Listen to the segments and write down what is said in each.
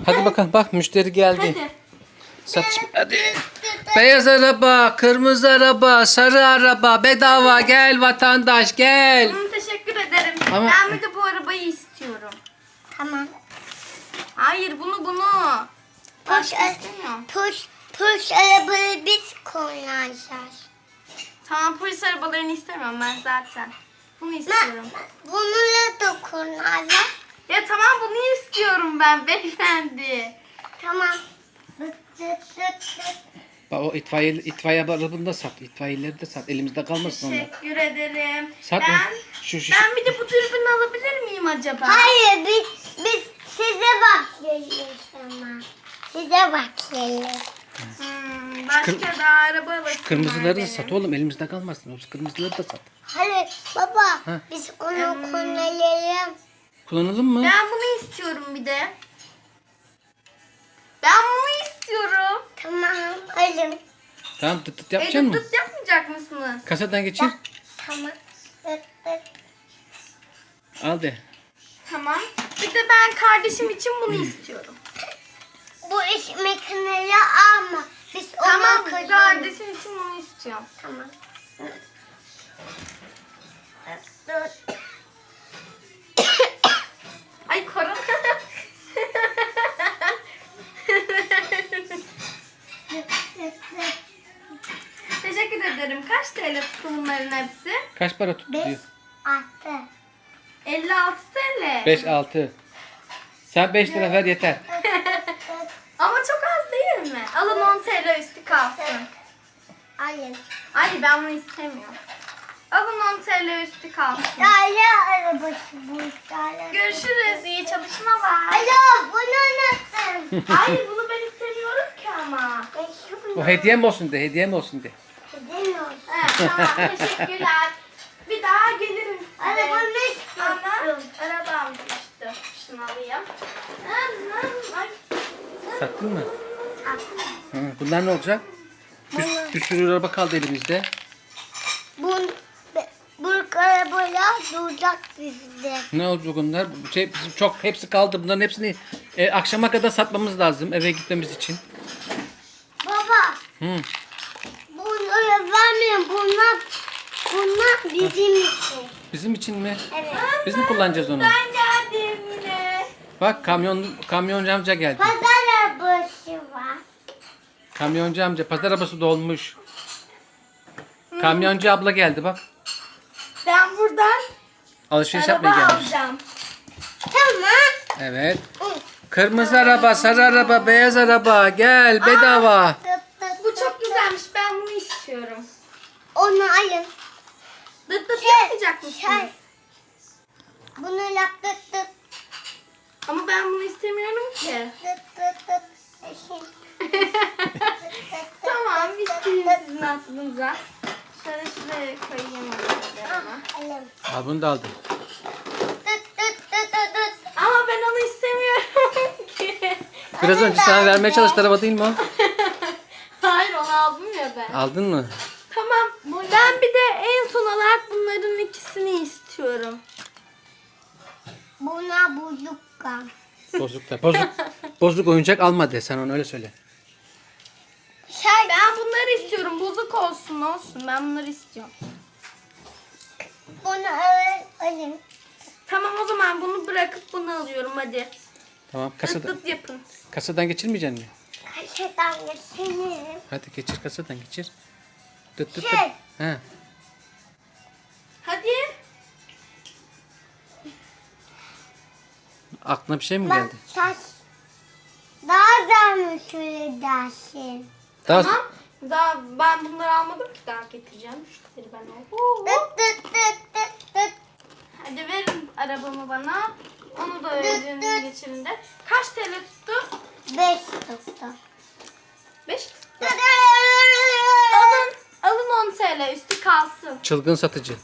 Hadi bakalım, bak müşteri geldi. Hadi. Satış. Hadi. Beyaz araba, kırmızı araba, sarı araba bedava, gel vatandaş gel. Teşekkür ederim. Ama- Ben bir de bu arabayı istiyorum. Tamam. Hayır bunu. Başka istemiyorum. Push arabayı biz kullanacağız. Tamam polis arabalarını istemiyorum ben zaten. Bunu istiyorum. Bununla da kullanacağız. Ya tamam bunu istiyorum ben beyefendi. Tamam. Dıt dıt dıt dıt. Bak o itfaiye arabını da sat. İtfaiyeleri de sat. Elimizde kalmasın onlar. Teşekkür ederim. Sat ben, mı? Şu. ben bir de bu dürbünü alabilir miyim acaba? Hayır biz size bakıyoruz ama. Size bakıyoruz. Başka da araba alasın. Kırmızıları da sat oğlum, elimizde kalmasın. O kırmızıları da sat. Hayır baba Ha. biz onu kullanalım. Kullanalım mı? Ben bunu istiyorum bir de. Ben bunu istiyorum. Tamam alın. Tamam, tıt yapacak mısın? Dıt yapmayacak mısınız? Kasadan geçir. Tamam. Dıt dıt. Al de. Tamam. Bir de ben kardeşim için bunu istiyorum. Bu iş makineyi alma. Biz Tamam onu kullanalım. kardeşim için bunu istiyorum. Tamam. Dıt dıt. Ay korona. Teşekkür ederim. Kaç TL tuttu bunların hepsi? Kaç para tuttu Beş diyor. attı. 56 TL. 5 6. Sen 5 lira ver yeter. Ama çok az değil mi? Alın 10 TL üstü kalsın. Alın. Ay ben bunu istemiyorum. Alın 10 TL üstü kalsın. Dale arabası bu. Dale. Görüşürüz. İyi çalışmalar. Alo bunu unuttum. Hayır bunu ben istemiyorum ki ama. O hediyem olsun de, hediyem olsun de. Demiyorum. Evet, tamam teşekkürler. Bir daha gelirim size. Arabanı Ana istiyorum. arabam düştü. Şunu alayım. Ay. Sattın mı? Hı, bunlar ne olacak? Bir sürü araba kaldı elimizde. Bu arabayla duracak bizde. Ne olacak bunlar? Bizim çok hepsi kaldı. Bunların hepsini akşama kadar satmamız lazım eve gitmemiz için. Baba Hı. bunları vermeyin. Bunlar bizim için. Bizim için mi? Evet. Biz mi kullanacağız onu? Ben geldim yine. Bak kamyoncu amca geldi. Pazar arabası var. Kamyoncu amca, pazar arabası dolmuş. Kamyoncu abla geldi bak. Ben buradan Alışveriş araba yapmaya gelmiş. alacağım. Tamam. Evet. Kırmızı araba, sarı araba, beyaz araba. Gel bedava. Bu çok güzelmiş. Ben bunu istiyorum. Onu alın. Dıt dıt yapmayacak mısınız? Şey. Bunu yap dıt dıt Ama ben bunu istemiyorum ki. dıt dıt dıt. Eşin. Tamam isteyeyim sizin aklınıza. Şöyle şuraya koyayım arabalarımı. Alın. Al bunu da aldım. Dıt dıt dıt dıt dıt. Ama ben onu istemiyorum ki. Biraz önce sana vermeye çalıştı araba değil mi o? Hayır onu aldım ya ben. Aldın mı? Tamam. Ben bir de en son olarak bunların ikisini istiyorum. Buna buzukka. Bozuk da. Bozuk oyuncak alma de, sen onu öyle söyle. Şey. Ben bunları istiyorum. Bozuk olsun. Ben bunları istiyorum. Bunu alın. Tamam o zaman bunu bırakıp bunu alıyorum hadi. Tamam, Dıt dıt yapın. kasadan geçirmeyeceksin mi? Kaşıdan geçelim. Hadi geçir, kasadan geçir. Dıt dıt dıt. Şey. He. Hadi. Aklına bir şey mi Bak geldi? saç. Daha da mı şöyle dersin? Daha Tamam. Daha ben bunları almadım ki daha getireceğim. Şunları ben al. Dıt dıt dıt dıt dıt. Hadi verin arabamı bana. Onu da ödünüz geçirin de. Kaç TL tuttu? 5 tuttu. 5 tuttu. Alın 10 TL üstü kalsın. çılgın satıcı.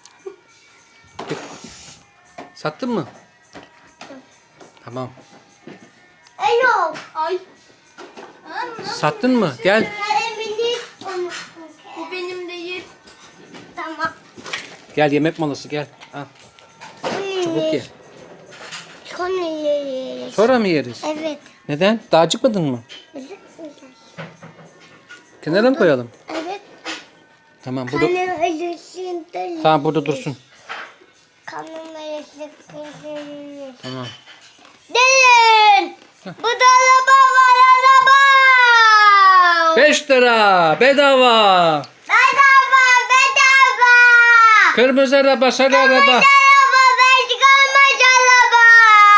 Sattın mı? Tamam. Alo. Ay. Sattın mı? Gel. Kalemini unuttum. Bu benim değil. Tamam. Gel, yemek molası gel. Al. Çabuk ye. Sonra yiyeceğiz. Sonra mı yeriz? Evet. Neden? Daha acıkmadın mı? Kenara mı koyalım? Evet. Tamam burada. Kanım acısında. Tamam burada dursun. Kanım acısında. Tamam. Gelin. Bu da araba var, araba. 5 lira bedava. Bedava, bedava. Kırmızı araba, sarı araba. Araba, beş araba.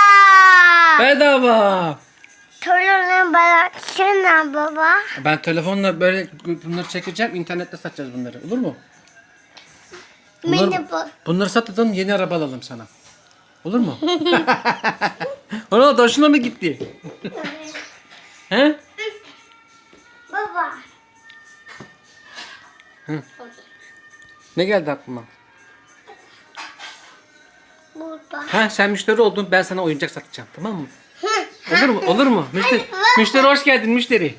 Bedava. Torunum bıraksana baba. Ben telefonla böyle bunları çekeceğim. İnternette satacağız bunları. Olur mu? Merhaba. Bunları satalım, yeni araba alalım sana. Olur mu? Ona da hoşuna mı gitti? He? Baba. Ne geldi aklıma? Burada. Ha sen müşteri oldun, ben sana oyuncak satacağım, tamam mı? Olur mu? Olur mu? Müşteri hoş geldin müşteri.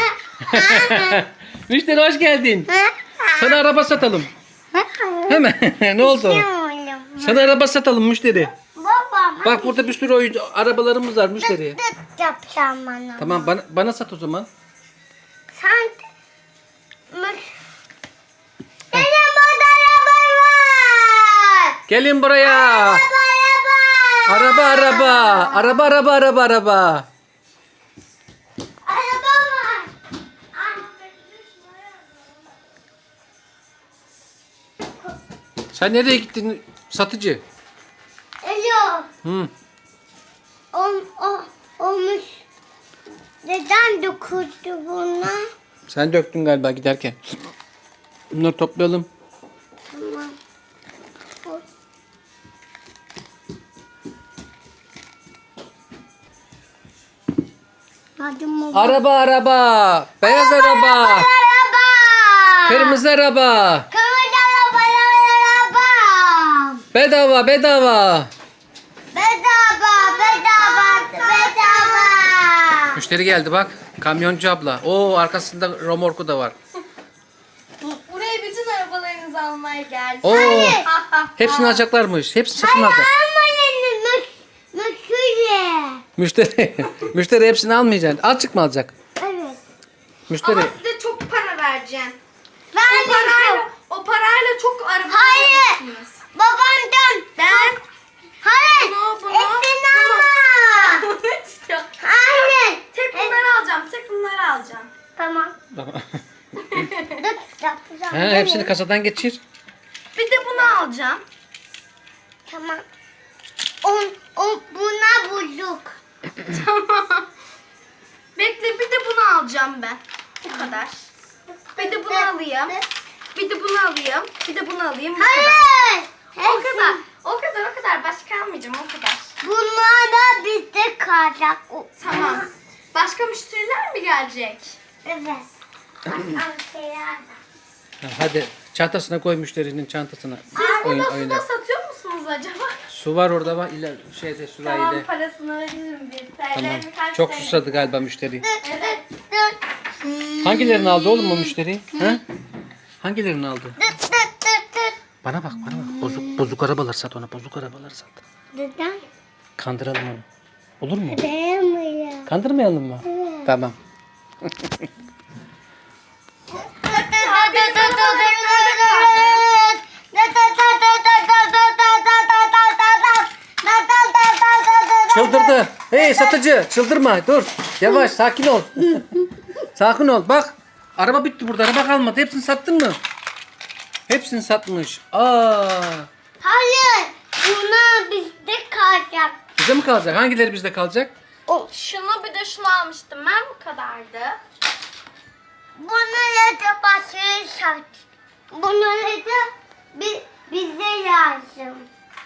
Müşteri hoş geldin. Sana araba satalım. Hemen. Ne oldu? Sana araba satalım müşteri. Baba. Bak burada bir sürü oyuncu arabalarımız var müşteri. Dıt yapacağım bana. Tamam bana sat o zaman. Sen... Benim burada araba var. Gelin buraya. Araba. Araba araba. Araba araba araba araba. Araba var. Sen nereye gittin satıcı? Alo. Hı. Olmuş. Neden dokundu buna? Sen döktün galiba giderken. Bunları toplayalım. Tamam. Hadi mı? Araba araba. Beyaz araba. Araba. Kırmızı araba. Kırmızı araba. Bedava bedava. Bedava. Müşteri geldi bak. Kamyoncu abla. Oo arkasında romorku da var. Buraya bütün arabalarınızı almaya geldim. Oo. Hayır. Hepsini alacaklarmış. Hepsini satın alacak. Müşteri. Müşteri hepsini almayacaksın. Azıcık mı alacak? Evet. Müşteri. Ama size çok para vereceğim. Ben de O parayla çok araba Hayır. alırsınız. Babamdan. Ben Hayır. bunu. Hepsini alma. Hayır. Tek bunları alacağım. Tek bunları alacağım. Tamam. Tamam. Dıt yapacağım. Ha, hepsini kasadan geçir. Bir de bunu alacağım. Tamam. Buna bulduk. Tamam. Bekle bir de bunu alacağım ben. Bu kadar. Bir de bunu alayım. Bir de bunu alayım. Bir de bunu alayım. Bu kadar. Hayır. O kadar. O kadar. Başka almayacağım. O kadar. Bunlar da bizde kalacak. Tamam. Başka müşteriler mi gelecek? Evet. Ha, hadi çantasına koy müşterinin çantasına. Siz Oyun, burada oyna. suda satıyor musunuz acaba? Su var orada bak. Şeyde Tamam sürahide. parasını veririm bir. Tamam. Birkaç Çok TL. susadı galiba müşteri. Evet. Hangilerini aldı oğlum o müşteri? Ha? Hangilerini aldı? Bana bak bana bak. Bozuk arabalar sat ona. Bozuk arabalar sat. Neden? Kandıralım onu. Olur mu? Beğenmiyor. Kandırmayalım mı? Tamam. Çıldırdı. Hey satıcı çıldırma dur. Yavaş sakin ol. Sakin ol bak. Araba bitti burada. Araba kalmadı. Hepsini sattın mı? Hepsini satmış. Aa. Hayır. Bunlar bizde kalacak. Bize mi kalacak? Hangileri bizde kalacak? Şunu bir de şunu almıştım ben bu kadardı. Bunları da başka sat. Bunları da bize lazım.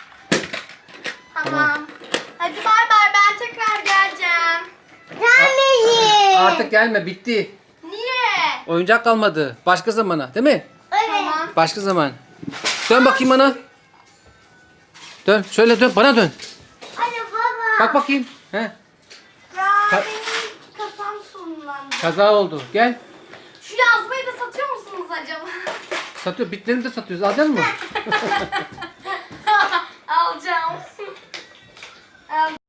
Tamam. Hadi bay bay ben tekrar geleceğim. Gelmeyin. Artık gelme bitti. Niye? Oyuncak kalmadı. Başka zamana değil mi? Evet. Tamam. Başka zaman. Dön bakayım bana. Dön. Şöyle dön. Bana dön. Hadi baba. Bak bakayım. He. Ya Ka- benim kafam sonlandı. Kaza oldu. Gel. Şu yazmayı da satıyor musunuz acaba? Satıyor. Bitlerini de satıyoruz. Alacak mısın? Alacağım.